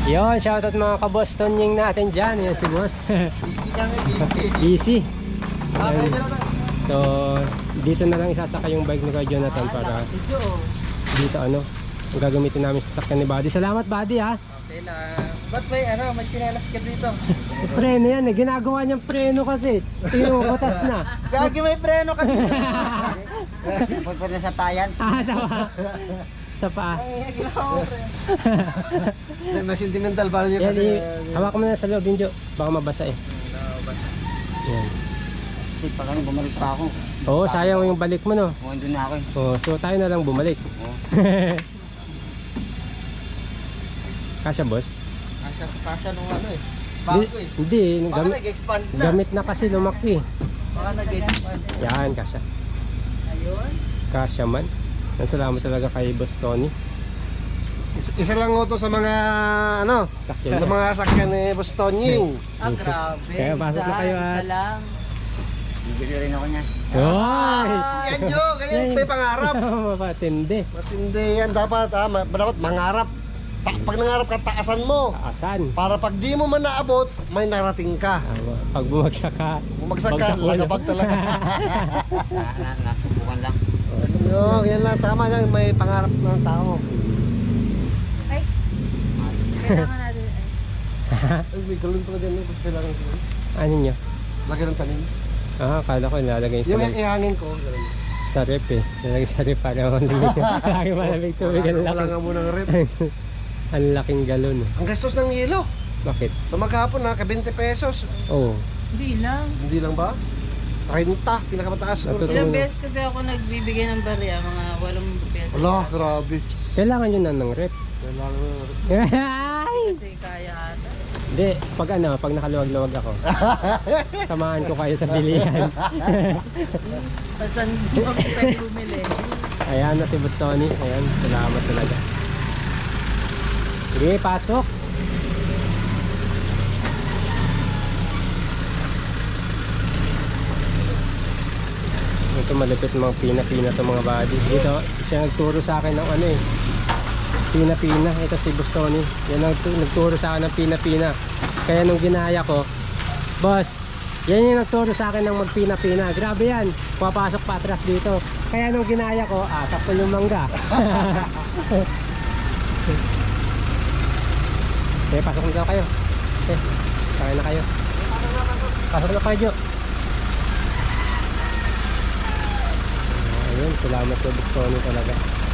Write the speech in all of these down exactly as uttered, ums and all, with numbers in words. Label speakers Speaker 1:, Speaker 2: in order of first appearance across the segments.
Speaker 1: Yon, shoutout mga ka-Bostonying natin dyan. Yan si boss.
Speaker 2: Busy kami, busy.
Speaker 1: Busy.
Speaker 2: Okay, Jonathan.
Speaker 1: So, dito na lang isasaka yung bike ni Kuya Jonathan para dito ano, ang gagamitin namin sa sasakyan ni Buddy. Salamat Buddy ha.
Speaker 2: Okay lang. Ba't may ano, may chinelas ka dito?
Speaker 1: Preno yan eh, ginagawa niyang preno kasi. Tingnan mo, batas na.
Speaker 2: Gagi, may preno ka dito.
Speaker 3: Pagpapala sa tayan.
Speaker 1: Ah, sa pa. Sa pa.
Speaker 2: Ay, ginawa mo preno. May sentimental value
Speaker 1: Yan,
Speaker 2: kasi.
Speaker 1: i- hawakan mo na sa loob yung Jo. Baka mabasa eh.
Speaker 2: Basta.
Speaker 1: Yan.
Speaker 3: Kasi pag ano, bumalik pa ako.
Speaker 1: Oo, sayang yung balik mo no.
Speaker 3: Kung andun na ako eh.
Speaker 1: Oo, so tayo na lang bumalik.
Speaker 3: Oo.
Speaker 1: Kasya boss?
Speaker 2: Kasya, kasya nung ano eh. Bago eh.
Speaker 1: Hindi,
Speaker 2: Baka
Speaker 1: gamit,
Speaker 2: nag-expand na.
Speaker 1: gamit na kasi lumaki.
Speaker 2: Baka nag-expand.
Speaker 1: Yan, kasya.
Speaker 2: Ayun.
Speaker 1: Kasya man. Ang salamat talaga kay Boss Tony.
Speaker 2: Isa, isa lang ho to sa mga ano,
Speaker 1: Sakyan
Speaker 2: sa
Speaker 1: na.
Speaker 2: mga sakyan ni Bostonying.
Speaker 4: Ah, grabe.
Speaker 1: Kaya pasok na
Speaker 4: Isa-
Speaker 1: kayo, ah.
Speaker 4: Isa lang.
Speaker 3: Bibili rin ako niyan.
Speaker 1: Oy!
Speaker 2: Yan Jo, ganyan may pangarap.
Speaker 1: Mapatindi.
Speaker 2: Matindi yan dapat ha, Ma- dapat mangarap. Ta pag nangarap ka, taasan mo.
Speaker 1: Taasan.
Speaker 2: Para pag di mo man naabot, may narating ka.
Speaker 1: Tama. Pag bumagsak ka,
Speaker 2: Bumagsak ka,
Speaker 1: bagsak ulo.
Speaker 2: lagabag talaga.
Speaker 3: Na, na, nasubukan lang.
Speaker 2: Yo, yan lang, tama yan, may pangarap ng tao.
Speaker 4: Ay, kailangan natin. Ay.
Speaker 2: Ay, may galon pala dyan, may kailangan ko.
Speaker 1: Ano nyo?
Speaker 2: Lagyan ng tanim.
Speaker 1: Ah, akala ko nilalagay
Speaker 2: Yung
Speaker 1: sa,
Speaker 2: ihangin ko, ganun.
Speaker 1: sa rep eh. Nilalagay sa rep para malamig. Lagi malamig tubig. Ang
Speaker 2: Wala
Speaker 1: laki.
Speaker 2: nga muna ng rep.
Speaker 1: Ang laking galon. eh.
Speaker 2: Ang gastos ng yelo.
Speaker 1: Bakit?
Speaker 2: Sa maghapon na, ka twenty pesos.
Speaker 1: Oo. Oh.
Speaker 4: Hindi lang.
Speaker 2: Hindi lang ba? thirty, pinakamataas.
Speaker 1: Natutunan.
Speaker 4: Ilang beses kasi ako nagbibigay ng barya, mga walong beses.
Speaker 2: Wala, grabe.
Speaker 1: Kailangan nyo na ng rep.
Speaker 2: Kailangan ng rep.
Speaker 1: Ay!
Speaker 4: Kasi kaya ata.
Speaker 1: Hindi, pag ano, pag nakaluwag-luwag ako. Samahan ko kayo sa bilihan.
Speaker 4: Basta hindi mo pwede bumili.
Speaker 1: Ayan na si Boss Tony. Ayan, salamat talaga. Sige, pasok. Ito malapit mga pina-pina to mga buddy. Dito, siya nagturo sa akin ng ano eh. Pina-pina. Ito si Boss Tony. Yan ang tu- nagturo sa akin ng pina-pina. Kaya nung ginaya ko, boss, yan yung nagturo sa akin ng magpina-pina. Grabe yan. Papasok pa atras dito. Kaya nung ginaya ko, ah, sakto yung mangga. Okay, pasok na daw kayo. Okay, kaya na kayo. Pasok na kayo, Jo. Ayun, salamat po Boss Tony talaga.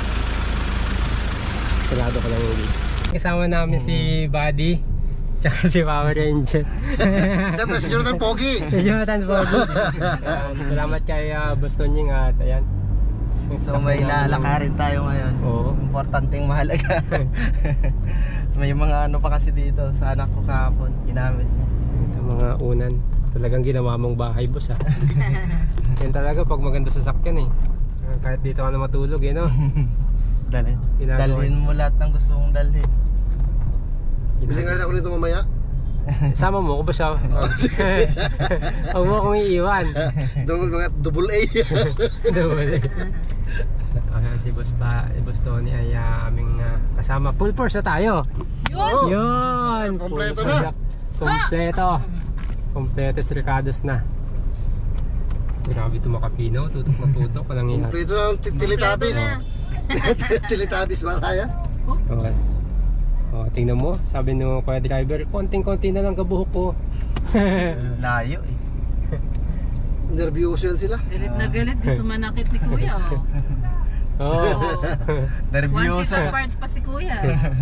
Speaker 1: Sarado ko lang yung video. Kasama namin si Buddy, tsaka si Power Ranger.
Speaker 2: Siyempre, si Jonathan Pogi.
Speaker 1: Si Jonathan Bobo. Ayan, salamat kay uh, Boss Tony at ayan. Yung
Speaker 2: So
Speaker 1: sasakyan
Speaker 2: may
Speaker 1: namin.
Speaker 2: lalakarin tayo ngayon.
Speaker 1: Oo.
Speaker 2: Importanteng mahalaga. May mga ano pa kasi dito sa anak ko kahapon, ginamit niya.
Speaker 1: Ito mga unan. Talagang ginawa mong bahay, boss ha. Yan talaga pag maganda sa sakyan eh. Ah, kahit dito ka na matulog eh no.
Speaker 2: Dalhin.
Speaker 1: Ginagawa.
Speaker 2: Dalhin mo lahat ng gusto mong dalhin.
Speaker 1: Ginagawa.
Speaker 2: nga ako nito mamaya.
Speaker 1: Sama mo ko boss ha. Huwag mo akong iiwan.
Speaker 2: Doon mga double A.
Speaker 1: Double. Ayan si boss pa, si Boss Tony ay uh, aming uh, kasama. Full force na tayo.
Speaker 4: Yun!
Speaker 2: Oh,
Speaker 1: Yun!
Speaker 2: kompleto
Speaker 1: Full
Speaker 2: na.
Speaker 1: force Kompleto. Kompleto si Ricardo's na. Grabe ito makapinaw. Tutok na tutok. Walang ihat.
Speaker 2: Kompleto ng Teletubbies. Teletubbies ba tayo?
Speaker 1: Okay. Oh, tingnan mo. Sabi nung kuya driver, konting-konti na lang kabuhok ko.
Speaker 2: Layo eh. Nervyoso yan sila.
Speaker 4: Galit na galit. Gusto manakit ni Kuya. Oh.
Speaker 1: Oh.
Speaker 4: One seat apart pa si Kuya.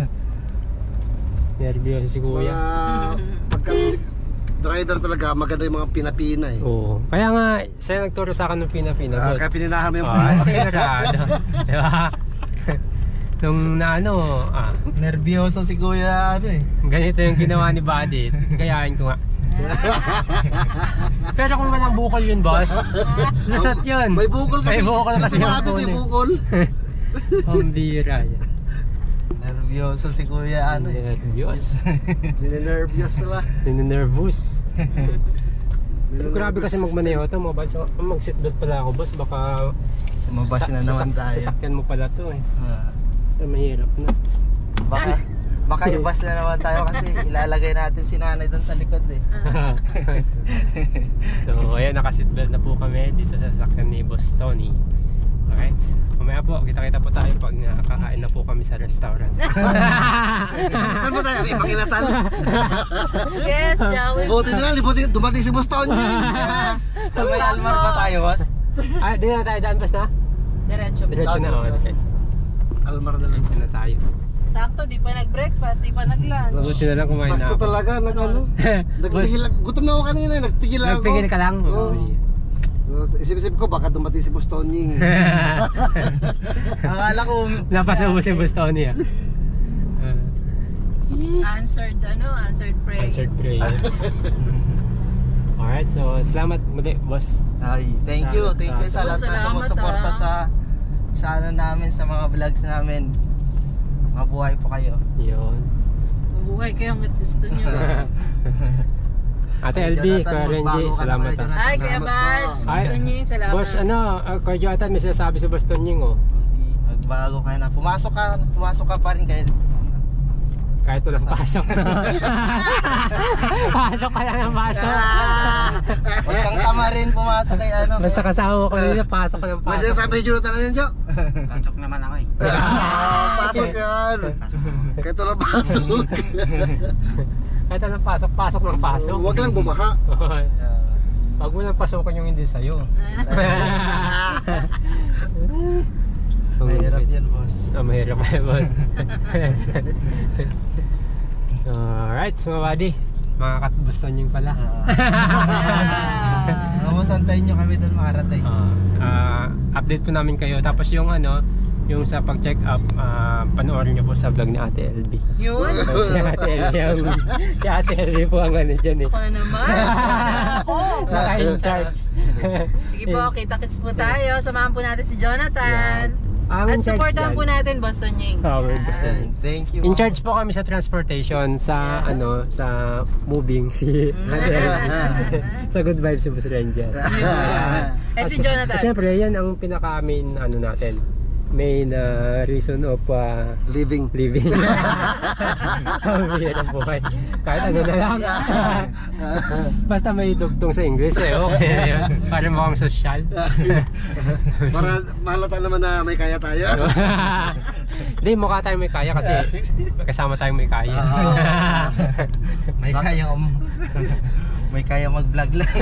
Speaker 1: Nervyoso si kuya.
Speaker 2: Mga pagka driver talaga, maganda yung mga pinapina eh.
Speaker 1: Oo. Kaya nga, siya nagturo sa akin ng pina-pina.
Speaker 2: Ah,
Speaker 1: boss.
Speaker 2: kaya pininahan mo yung
Speaker 1: Ah, sigurado. Diba? Nung na ano, ah,
Speaker 2: nervyoso si kuya ano eh.
Speaker 1: ganito yung ginawa ni Buddy. Gayahin ko nga. Pero kung walang bukol yun, boss, lusot yun.
Speaker 2: May bukol kasi.
Speaker 1: May bukol kasi yung
Speaker 2: Sumabit
Speaker 1: phone
Speaker 2: yung
Speaker 1: eh.
Speaker 2: bukol.
Speaker 1: Pambira yan.
Speaker 2: Nervyoso si kuya ano eh.
Speaker 1: Nervyos.
Speaker 2: Ninenervyos sila.
Speaker 1: Ninenervous. Pero grabe kasi magmaneho to mo, boss. Mag-seatbelt pala ako, boss. Baka
Speaker 2: Mabas na naman tayo.
Speaker 1: sasakyan mo pala to eh.
Speaker 2: Ah.
Speaker 1: Pero mahirap na.
Speaker 2: Baka Baka i-bash na naman tayo kasi ilalagay natin si nanay doon sa likod eh.
Speaker 1: So ayan, naka-seatbelt na po kami dito sa sasakyan ni Boss Tony. Alright, kumaya po, kita-kita po tayo pag nakakain na po kami sa restaurant.
Speaker 2: Saan po tayo? May pakilasan?
Speaker 4: Yes, Joey.
Speaker 2: Buti na lang, buti dumating si Boss Tony. Yes! Sa may Almar pa tayo, boss?
Speaker 1: Ah, di na tayo daan, Boss na?
Speaker 4: Diretso.
Speaker 1: Diretso na, oh, diretso.
Speaker 2: Almar na lang.
Speaker 1: Diretso na tayo.
Speaker 4: Sakto, di pa nag-breakfast, di pa nag-lunch.
Speaker 1: Buti na lang kumain na
Speaker 2: Sakto
Speaker 1: ako.
Speaker 2: talaga, nag ano? Nagpigil, gutom na ako kanina, eh, nagpigil ako.
Speaker 1: Nagpigil ka lang?
Speaker 2: Oo. So, isip-isip ko, baka dumating si Boss Tony. Akala ko,
Speaker 1: Napasubo si Boss Tony ah. Uh,
Speaker 4: Answered, ano, answered prayer.
Speaker 1: answered prayer. Alright, so salamat muli, boss.
Speaker 2: ay, thank you, thank you sa lahat na
Speaker 4: Salamat,
Speaker 2: sumusuporta
Speaker 4: ah.
Speaker 2: sa sa ano namin, sa mga vlogs namin. Mabuhay po kayo.
Speaker 1: Yun.
Speaker 4: Mabuhay kayo hanggat gusto nyo.
Speaker 1: Ate L B,
Speaker 2: Jonathan,
Speaker 1: Kuya Renji,
Speaker 2: magbago ka na
Speaker 1: salamat
Speaker 2: kayo,
Speaker 1: ah.
Speaker 2: Jonathan.
Speaker 4: Ay, Kuya
Speaker 2: Salamat
Speaker 4: Bads,
Speaker 2: po.
Speaker 4: gusto nyo yung salamat.
Speaker 1: Boss, ano, uh, Kuya Jonathan, may sinasabi si Boss Tonying oh.
Speaker 2: Magbago ka na. Pumasok ka, pumasok ka pa rin kayo.
Speaker 1: Kahit walang pasok. Pasok ka lang ng pasok.
Speaker 2: Huwag kang tama rin pumasok kay ano.
Speaker 1: Basta kasama ko kanina, pasok ka ng
Speaker 2: Mas
Speaker 1: pasok.
Speaker 2: sabi ni Jonathan na yun, Jo.
Speaker 3: Pasok naman ako eh.
Speaker 2: Ah, pasok yan. Kahit wala pasok.
Speaker 1: Kahit walang pasok, pasok ng pasok.
Speaker 2: Huwag lang bumaha.
Speaker 1: Pag mo lang pasokan yung hindi sa'yo.
Speaker 2: Mahirap yan, boss.
Speaker 1: Ah, mahirap pa yun, boss. Alright, so mga buddy, mga katbuston yung pala.
Speaker 2: Tapos antayin nyo kami doon makarating.
Speaker 1: Ah, ah, update po namin kayo. Tapos yung ano, yung sa pag-check up, ah, panoorin nyo po sa vlog ni Ate L B.
Speaker 4: Yun.
Speaker 1: Si Ate L B, ang, si Ate L B po ang ano dyan eh.
Speaker 4: Ako na naman. Ako.
Speaker 1: Naka-in-charge.
Speaker 4: Sige po, kita-kits po tayo. Samahan po natin si Jonathan.
Speaker 1: Ang
Speaker 4: At
Speaker 1: in-charge
Speaker 4: supportahan
Speaker 1: dyan.
Speaker 4: po natin Boston Ying.
Speaker 1: Oh, we're Boston
Speaker 2: Ayan,
Speaker 1: Ying.
Speaker 2: thank you.
Speaker 1: In charge po kami sa transportation sa
Speaker 4: Yeah.
Speaker 1: ano sa moving si Ate L B. Sa Good Vibes si Boss Ranger.
Speaker 4: Eh si Jonathan.
Speaker 1: Siyempre yan ang pinaka main ano natin. Main uh, reason of uh,
Speaker 2: Living.
Speaker 1: living. Ang hirap buhay. Kahit ano na lang. Basta may dugtong sa English eh. Okay yun. Para mukhang sosyal.
Speaker 2: Para mahalata naman na may kaya tayo.
Speaker 1: Hindi, mukha tayong may kaya kasi kasama tayong may kaya.
Speaker 2: May kaya um, may kaya mag-vlog lang.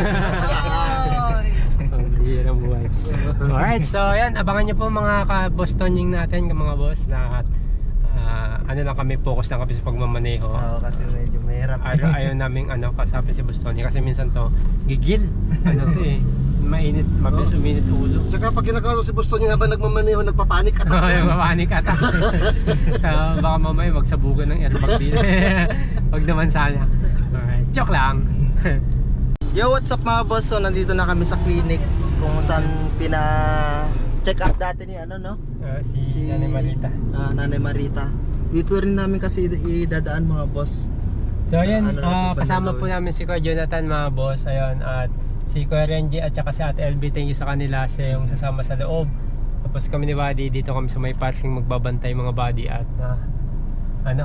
Speaker 4: Oy.
Speaker 1: Ang hirap buhay. Alright, so yan, abangan nyo po mga ka-Bostoning natin, mga boss, na uh, ano lang kami, focus lang kami sa pagmamaneho.
Speaker 2: Oo, kasi medyo mahirap.
Speaker 1: Ayaw, ayaw namin ano, kasapin si Bostoning kasi minsan to, gigil. Ano to eh, mainit, mabilis uminit ulo.
Speaker 2: Tsaka pag kinakausap si Boston yung habang nagmamaneho, nagpapanik at
Speaker 1: Ay, mapanik ata. uh, baka mamaya magsabugan ng airbag dito. Wag naman sana. Alright, joke lang.
Speaker 2: Yo, what's up mga boss? So, nandito na kami sa clinic kung saan pina check up dati ni ano, no?
Speaker 1: Uh, si,
Speaker 2: Si-
Speaker 1: Nanay Marita.
Speaker 2: Ah, Nanay Marita. Dito rin namin kasi idadaan mga boss.
Speaker 1: So
Speaker 2: Sa
Speaker 1: ayan,
Speaker 2: ano
Speaker 1: ah,
Speaker 2: natin,
Speaker 1: kasama
Speaker 2: Bandalaw.
Speaker 1: po namin si Kuya Jonathan mga boss. Ayun, at si Kuya Renji at saka si Ate L B. Thank you sa kanila sa yung sasama sa loob. Tapos kami ni Buddy, dito kami sa may parking magbabantay mga buddy at na ano,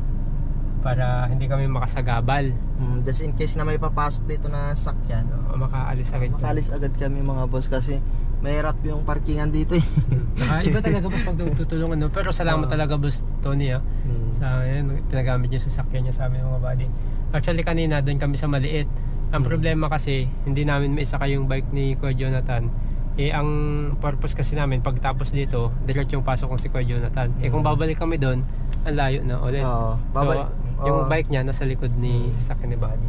Speaker 1: para hindi kami makasagabal.
Speaker 2: Hmm, just in case na may papasok dito na sakyan.
Speaker 1: O, makaalis agad.
Speaker 2: Makalis agad kami mga boss kasi mahirap yung parkingan dito eh.
Speaker 1: Naka, iba talaga boss pag tutulungan. No? Pero salamat talaga boss Tony ah. Sa yan, pinagamit niyo sa sakyan niya sa amin mga buddy. Actually kanina doon kami sa maliit. Ang problema kasi hindi namin maisaka yung bike ni Kuya Jonathan. Eh ang purpose kasi namin pagtapos dito, diretsong pasok ng si Kuya Jonathan. Eh kung babalik kami doon, ang layo na ulit.
Speaker 2: Oo, babalik.
Speaker 1: So, yung
Speaker 2: Oo.
Speaker 1: bike niya nasa likod ni sakyan ni Buddy.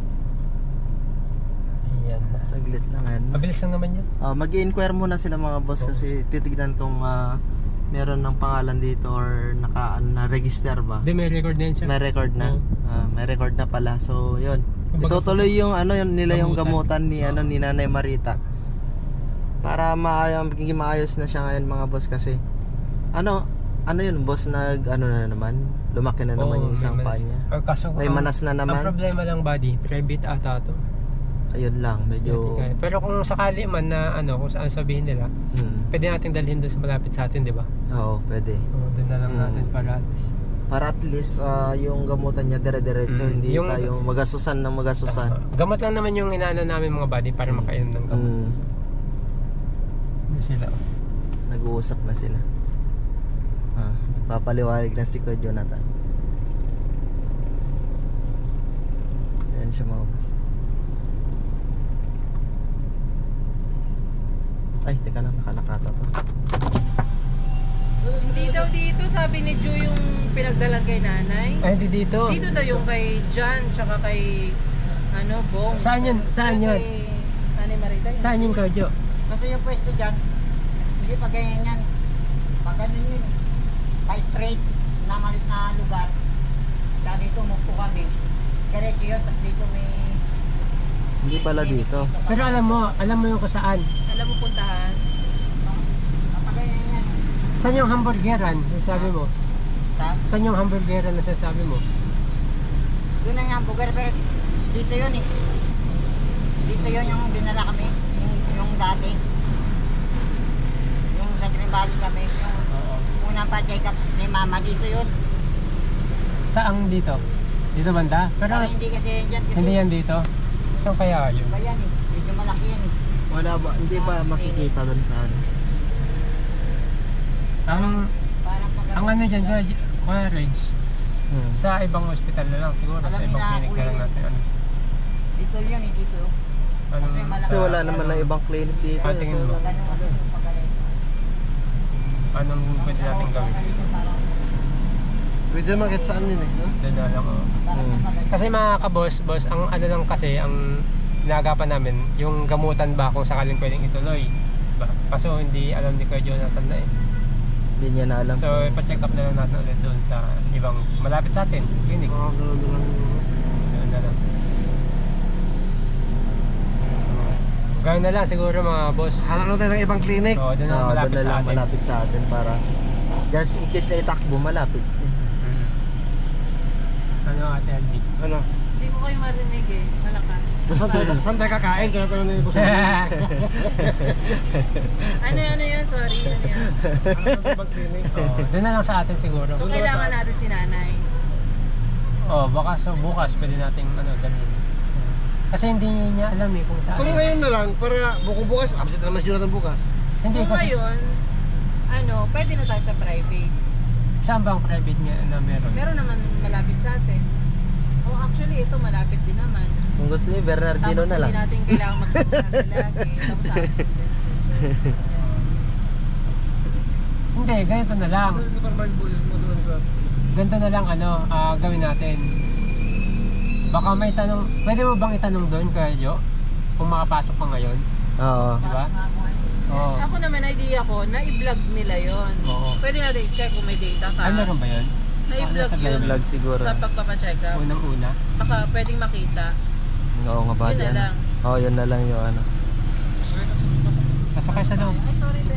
Speaker 1: Ayan na.
Speaker 2: Saglit lang yan.
Speaker 1: Mabilis lang naman yan.
Speaker 2: Ah, mag-i-inquire muna sila mga boss kasi titignan kung ah, meron ng pangalan dito or naka ano, na-register ba.
Speaker 1: Hindi, may record na yan siya.
Speaker 2: May record na.
Speaker 1: Oo.
Speaker 2: Ah, may record na pala. So, yun.
Speaker 1: Kumbaga,
Speaker 2: Itutuloy yung ano yun nila yung
Speaker 1: gamutan.
Speaker 2: gamutan ni ano ni Nanay Marita. Para maayos magiging maayos na siya ngayon mga boss kasi ano ano yun boss nag ano na naman lumaki na naman
Speaker 1: Oo,
Speaker 2: yung isang
Speaker 1: may
Speaker 2: paa
Speaker 1: manas.
Speaker 2: niya.
Speaker 1: Ah, kaso,
Speaker 2: May
Speaker 1: ang-
Speaker 2: manas na
Speaker 1: Ang
Speaker 2: naman.
Speaker 1: problema lang buddy, private ata to.
Speaker 2: Ayun lang medyo
Speaker 1: Medyo... Pero kung sakali man na ano, kung saan sabihin nila,
Speaker 2: hmm,
Speaker 1: pwede natin dalhin doon sa malapit sa atin, di ba?
Speaker 2: oo, pwede.
Speaker 1: O, doon na lang
Speaker 2: Mm.
Speaker 1: natin para at least
Speaker 2: Para at least ah, yung gamutan niya dire-diretso,
Speaker 1: Mm,
Speaker 2: hindi
Speaker 1: yung-
Speaker 2: tayo magasusan ng magasusan.
Speaker 1: Gamot lang naman yung inaano namin mga buddy para makainom ng gamot.
Speaker 2: Mm.
Speaker 1: Ano sila?
Speaker 2: Nag-uusap na sila. Ah, papaliwanag na si Kuya Jonathan. Ayan siya mga boss. Ay, teka lang, nakalakata to.
Speaker 4: Hindi daw dito, sabi ni Ju yung pinagdalan kay nanay.
Speaker 1: Ay, hindi dito.
Speaker 4: Dito daw yung kay Jan, tsaka kay, ano, Bong.
Speaker 1: Saan yun? Saan yun?
Speaker 4: Kay Nanay Marita yun.
Speaker 1: Saan yung Kojo?
Speaker 3: Kasi yung pwesto dyan, hindi pa ganyan yan. Pag ganun yun, pa straight na malit na lugar. Kaya dito mukpo kami. Diretso yun, tapos dito may...
Speaker 2: Hindi pala dito.
Speaker 1: Pero alam mo, alam mo yung kung saan.
Speaker 4: Alam mo puntahan?
Speaker 3: Kapag ganyan yan,
Speaker 1: Saan yung hamburgeran? Sabi mo.
Speaker 3: sa,
Speaker 1: Saan yung hamburgeran na sasabi mo?
Speaker 3: yun na yung hamburger, pero dito yun eh. Dito yun yung dinala kami, yung, yung dati. Yung sa Green Valley kami, yung unang pa-check up ni Mama, dito yun.
Speaker 1: Saan dito? Dito banda? Pero
Speaker 3: Pero hindi kasi dyan, kasi
Speaker 1: hindi yan dito. Saan kaya yun?
Speaker 3: iba yan eh. Medyo malaki yan eh.
Speaker 2: Wala ba, hindi ba makikita doon sa ano?
Speaker 1: Ang,
Speaker 3: Parang pag
Speaker 1: ang ano dyan, Kuya Rage,
Speaker 2: Hmm.
Speaker 1: sa ibang hospital na lang siguro,
Speaker 3: Alam
Speaker 1: sa
Speaker 3: niyo
Speaker 1: ibang
Speaker 3: na,
Speaker 1: clinic na lang
Speaker 3: Kuya,
Speaker 1: natin. Ano,
Speaker 3: dito yun eh, dito.
Speaker 1: anong,
Speaker 2: Kasi wala naman na ibang clinic dito.
Speaker 1: Ah, tingin mo.
Speaker 3: Ganun kasi yung pagkalit.
Speaker 1: Anong pwede natin gawin?
Speaker 2: Pwede naman kahit saan yun eh. No?
Speaker 1: Doon na lang, oh.
Speaker 2: Hmm.
Speaker 1: Kasi mga kabos, boss, ang ano lang kasi, ang nagapan namin, yung gamutan ba kung sakaling pwedeng ituloy. Diba? Kaso hindi alam ni Kuya Jonathan na eh.
Speaker 2: Hindi niya na alam.
Speaker 1: So, ipa-check up na lang natin ulit doon sa ibang malapit sa atin, clinic. Doon na lang. Gawin na lang siguro mga boss.
Speaker 5: Hanap tayo ng ibang clinic.
Speaker 1: Oo, doon na
Speaker 2: Oo,
Speaker 1: malapit
Speaker 2: doon na
Speaker 1: sa
Speaker 2: lang
Speaker 1: atin.
Speaker 2: malapit sa atin para just in case na itakbo malapit.
Speaker 1: Mm. Ano ate Aldi?
Speaker 5: Ano?
Speaker 4: Hindi ko kayo marinig eh. Malakas.
Speaker 5: Saan tayo, saan tayo kakain? Kaya tanong ni Boss.
Speaker 4: Ano ano yun? Sorry. Ano yan?
Speaker 5: Hanap ng ibang clinic.
Speaker 1: Oo, doon na lang sa atin siguro.
Speaker 4: So, kailangan natin si nanay.
Speaker 1: Oh, baka so bukas pwede nating ano dalhin. Kasi hindi niya alam eh kung saan.
Speaker 5: Kung ngayon na lang, para bukong bukas, absent naman si Jonathan bukas.
Speaker 1: Hindi
Speaker 4: Kung
Speaker 1: kasi
Speaker 4: ngayon, ano, pwede na tayo sa private.
Speaker 1: saan ba ang private niya na meron?
Speaker 4: Meron naman malapit sa atin. Oh, actually, ito malapit din naman.
Speaker 2: Kung gusto niyo Bernardino
Speaker 4: Tapos
Speaker 2: na lang.
Speaker 4: hindi natin kailangan magpunta lagi. Tapos sa accidents.
Speaker 1: Hindi, ganito na lang.
Speaker 5: Ano para mag-bukas mo doon sa...
Speaker 1: Ganito na lang ano, ah, gawin natin. Baka may tanong, pwede mo bang itanong doon kay Jo? Kung makapasok ka ngayon,
Speaker 2: Oo.
Speaker 1: di ba? Oo.
Speaker 4: Ako naman, idea ko, na i-vlog nila yon.
Speaker 1: Oo.
Speaker 4: Pwede natin i-check kung may data ka.
Speaker 1: Ay, meron ba yun?
Speaker 4: Na-i-vlog
Speaker 1: Ano, sa
Speaker 4: yun
Speaker 2: Vlog siguro.
Speaker 4: sa pagpapacheck up.
Speaker 1: Unang-una.
Speaker 4: Baka pwedeng makita.
Speaker 2: Oo nga ba
Speaker 4: Yun na
Speaker 2: dyan?
Speaker 4: lang.
Speaker 2: Oo, yun na lang yung ano.
Speaker 1: Pasok kayo sa loob.
Speaker 4: Ay, sorry, be.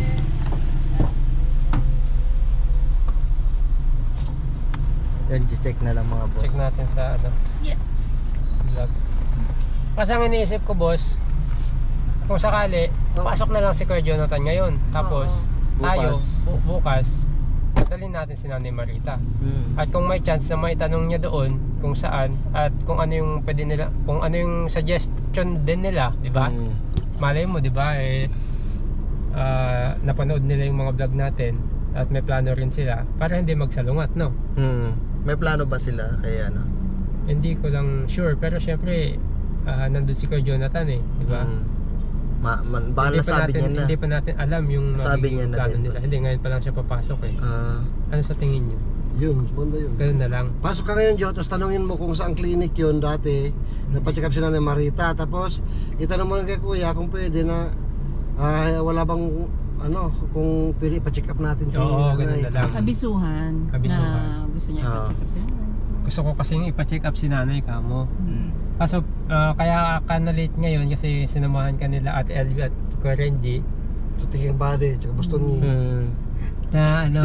Speaker 2: Yan, check na lang mga boss.
Speaker 1: Check natin sa ano.
Speaker 4: Yeah.
Speaker 1: Vlog. Kasi ang iniisip ko, boss, kung sakali, pasok na lang si Kuya Jonathan ngayon. Tapos,
Speaker 2: Oo.
Speaker 1: tayo,
Speaker 2: Bukas.
Speaker 1: bu- bukas, dalhin natin si Nanay Marita.
Speaker 2: Hmm.
Speaker 1: At kung may chance na maitanong niya doon kung saan at kung ano yung pwede nila, kung ano yung suggestion din nila, di ba?
Speaker 2: Hmm.
Speaker 1: Malay mo, di ba? Eh, ah, napanood nila yung mga vlog natin at may plano rin sila para hindi magsalungat, no?
Speaker 2: Hmm. May plano ba sila kaya ano?
Speaker 1: Hindi ko lang sure, pero syempre, ah, nandun si Kuya Jonathan eh, di ba?
Speaker 2: Hmm. Ma, man, baka
Speaker 1: Hindi pa
Speaker 2: nasabi
Speaker 1: natin,
Speaker 2: niya na.
Speaker 1: hindi pa natin alam yung
Speaker 2: Nasabi
Speaker 1: magiging
Speaker 2: niya na
Speaker 1: plano
Speaker 2: din,
Speaker 1: nila.
Speaker 2: boss.
Speaker 1: Hindi, ngayon pa lang siya papasok eh.
Speaker 2: Ah,
Speaker 1: Ano sa tingin niyo?
Speaker 5: Yun, banda yun.
Speaker 1: Ganun na lang.
Speaker 5: Pasok ka ngayon, Jo, tapos tanongin mo kung saan clinic yun dati. Napacheck up si Nanay Marita. Tapos, itanong mo lang kay Kuya kung pwede na ah, wala bang ano, kung pwede pa-check up natin si
Speaker 1: Oo, ganun
Speaker 5: Nanay.
Speaker 1: na lang.
Speaker 4: Abisuhan,
Speaker 1: Abisuhan.
Speaker 4: na gusto niya
Speaker 2: Oo.
Speaker 4: i-check up si nanay.
Speaker 1: Gusto ko kasing ipa-check up si nanay ka mo. Kaso ah, kaya ka na late ngayon kasi sinamahan ka nila Ate Elvie at Kuya Renji
Speaker 5: Tutingin body, tsaka Boston ni.
Speaker 2: hmm.
Speaker 1: na ano.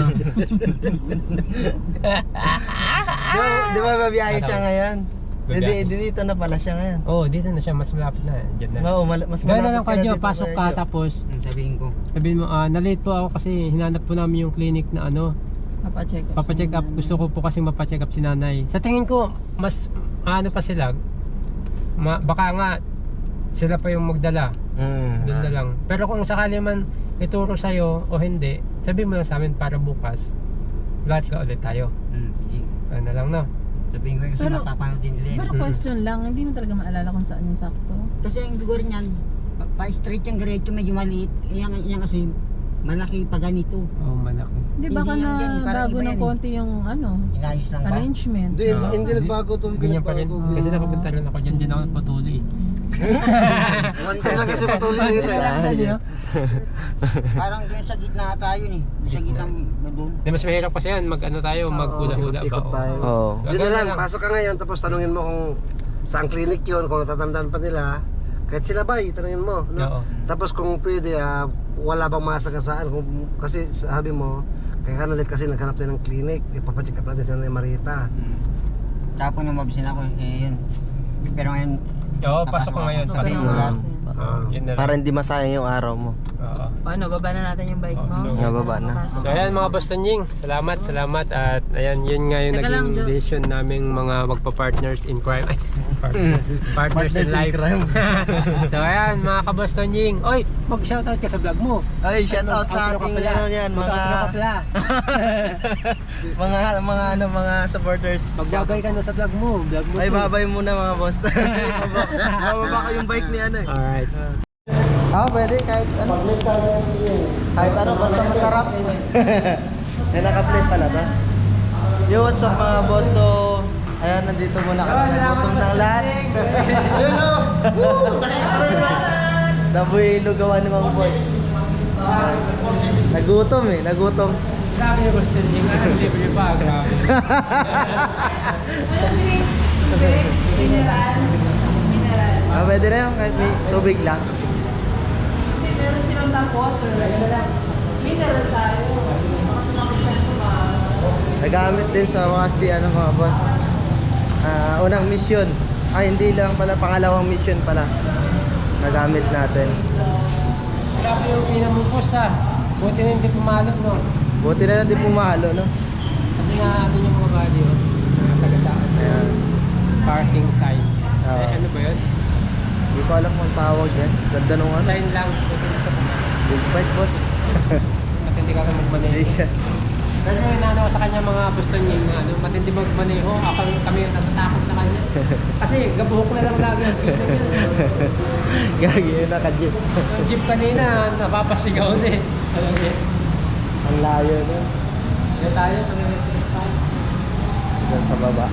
Speaker 2: Di ba, di ba babiyahe
Speaker 1: Ano?
Speaker 2: siya ngayon? Hindi,
Speaker 1: Babiyahe.
Speaker 2: dito na pala siya ngayon.
Speaker 1: Oh, dito na siya, mas malapit na. Diyan na.
Speaker 2: Oo, mal- mas
Speaker 1: Gano'n na lang
Speaker 2: malapit ka
Speaker 1: kayo,
Speaker 2: dito,
Speaker 1: pasok
Speaker 2: Kuya
Speaker 1: ka
Speaker 2: Jo.
Speaker 1: tapos
Speaker 3: Sabihin ko.
Speaker 1: sabihin mo, ah, na-late po ako kasi hinanap po namin yung clinic na ano,
Speaker 4: Papacheck up.
Speaker 1: Papacheck up. Gusto ko po kasi mapacheck up si nanay. Sa tingin ko, mas ano pa sila. Ma, baka nga sila pa yung magdala.
Speaker 2: Mm.
Speaker 1: Doon na lang. Pero kung sakali man ituro sa'yo o hindi, sabihin mo lang sa amin para bukas. Lahat ka ulit tayo.
Speaker 3: Hmm, sige.
Speaker 1: Ano na lang, no?
Speaker 3: Sabihin ko yung kasi
Speaker 4: Pero-
Speaker 3: mapapanood din nila.
Speaker 4: Pero question lang, hindi mo talaga maalala kung saan yung sakto.
Speaker 3: Kasi yung lugar niyan, pa- pa-straight yung diretso, medyo maliit. Yan, yan kasi malaki pa ganito.
Speaker 1: Oo, oh, malaki.
Speaker 4: Hindi baka
Speaker 3: Hindi
Speaker 4: na
Speaker 3: yan yan, parang
Speaker 4: bago
Speaker 3: iba
Speaker 4: ng
Speaker 3: yan eh.
Speaker 4: konti yung ano,
Speaker 3: Inayos lang ba?
Speaker 4: arrangement.
Speaker 5: Hindi, hindi,
Speaker 1: Ah,
Speaker 5: hindi nagbago to. Hindi
Speaker 1: Ganyan pa rin.
Speaker 5: nagbago.
Speaker 1: Kasi nakapunta rin ako dyan. Dyan ako patuloy.
Speaker 5: One time lang kasi patuloy dito eh.
Speaker 3: Parang doon sa gitna tayo ni. Sa gitna doon.
Speaker 1: Di mas mahirap kasi yan. Mag ano tayo, maghula-hula ba?
Speaker 5: Ikot tayo.
Speaker 2: Oo.
Speaker 5: Yun na lang, pasok ka ngayon tapos tanungin mo kung saan clinic yun, kung natatandaan pa nila. Kahit sila ba, tanungin mo. No?
Speaker 1: Oo.
Speaker 5: Tapos kung pwede, ah, wala bang masagasaan. Kung, kasi sabi mo, kaya ka nalit kasi naghanap tayo ng clinic. Ipapacheck up natin sa Nanay Marita.
Speaker 3: Tapos nung mabisin ako, eh yun. Pero ngayon,
Speaker 1: Oo, pasok ko ngayon.
Speaker 4: Huwag ka
Speaker 1: Pati
Speaker 4: nang
Speaker 1: mo.
Speaker 4: umalis.
Speaker 5: Ah.
Speaker 1: Yun na lang.
Speaker 2: Para hindi masayang yung araw mo.
Speaker 1: Oo.
Speaker 4: Ano, baba na natin yung bike
Speaker 1: Oh,
Speaker 4: mo?
Speaker 1: so-
Speaker 2: Nga, baba na.
Speaker 1: So ayan mga Boston Ying, salamat, salamat at ayan yun nga yung
Speaker 4: Teka lang,
Speaker 1: naging
Speaker 4: Jo.
Speaker 1: decision naming mga magpa-partners in crime. Ay, partners, partners in life. So ayan mga ka-Boston Ying, oy, mag-shoutout ka sa vlog mo.
Speaker 2: Ay, shout out sa
Speaker 1: Outro ka
Speaker 2: ating
Speaker 1: pala.
Speaker 2: ano yan, mga
Speaker 1: Mag-outro ka pala.
Speaker 2: mga mga ano mga supporters.
Speaker 1: Magbabay ka na sa vlog mo, vlog mo.
Speaker 2: Ay,
Speaker 1: to.
Speaker 2: babay muna mga boss. Bababa ko yung bike ni ano eh.
Speaker 1: Alright.
Speaker 2: Ah, pwede kahit ano. Kahit ano, basta masarap. May naka-plate pala to. Yo, what's up mga boss? So, ayan, nandito muna kami. Nagutom ng lahat. Ayun o! Woo! Naka-express ah! Sa buhay lugawan ni Mang Boy. Nagutom eh, nagutom.
Speaker 1: Grabe yung Boston Ying, ano, libre pa, grabe.
Speaker 4: Mineral. Mineral.
Speaker 2: Ah, pwede na yun, kahit may tubig lang.
Speaker 4: Hindi, meron silang black water. Mineral tayo. Kasi nakapagyan ko ba?
Speaker 2: Nagamit din sa mga si ano mga boss. Ah, unang mission. Ay, hindi lang pala, pangalawang mission pala. Nagamit natin.
Speaker 1: Grabe yung pinamukos ah. Buti na hindi pumalap, no?
Speaker 2: Buti na lang di pumalo, no?
Speaker 1: Kasi nga ano yung mga body, oh. Mga taga-saan.
Speaker 2: Ayan.
Speaker 1: Parking sign.
Speaker 2: Oo.
Speaker 1: Eh, ano ba yun?
Speaker 2: Hindi ko alam kung tawag yan. Ganda nung ano.
Speaker 1: Sign lang.
Speaker 2: Big bike, boss.
Speaker 1: Matindi ka rin magmaneho. Pero yung inaano ko sa kanya mga Boston Ying na ano, matindi magmaneho. Ako kami yung natatakot sa kanya. Kasi gabuhok na lang lagi ang kita niya.
Speaker 2: Gagi yun, naka-jeep.
Speaker 1: Yung jeep kanina, napapasigaw na eh. Alam niya.
Speaker 2: Ang layo, no?
Speaker 1: Yan tayo sa mga tayo.
Speaker 2: Diyan sa baba.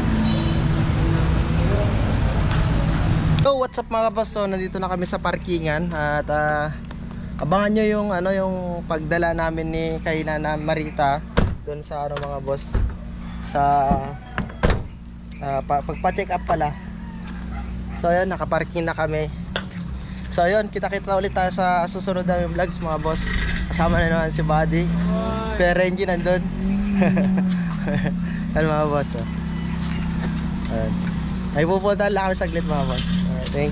Speaker 2: So, what's up mga boss? So, nandito na kami sa parkingan at ah, abangan nyo yung ano yung pagdala namin ni kay Nana Marita doon sa ano mga boss sa ah, pa, pagpa-check up pala. So, ayun, nakaparking na kami. So, ayun, kita-kita ulit tayo sa susunod namin vlogs mga boss. Kasama na naman si Buddy. Kuya Renji nandun. Ano mga boss? Oh. Ayun. Ay pupunta lang kami saglit mga boss.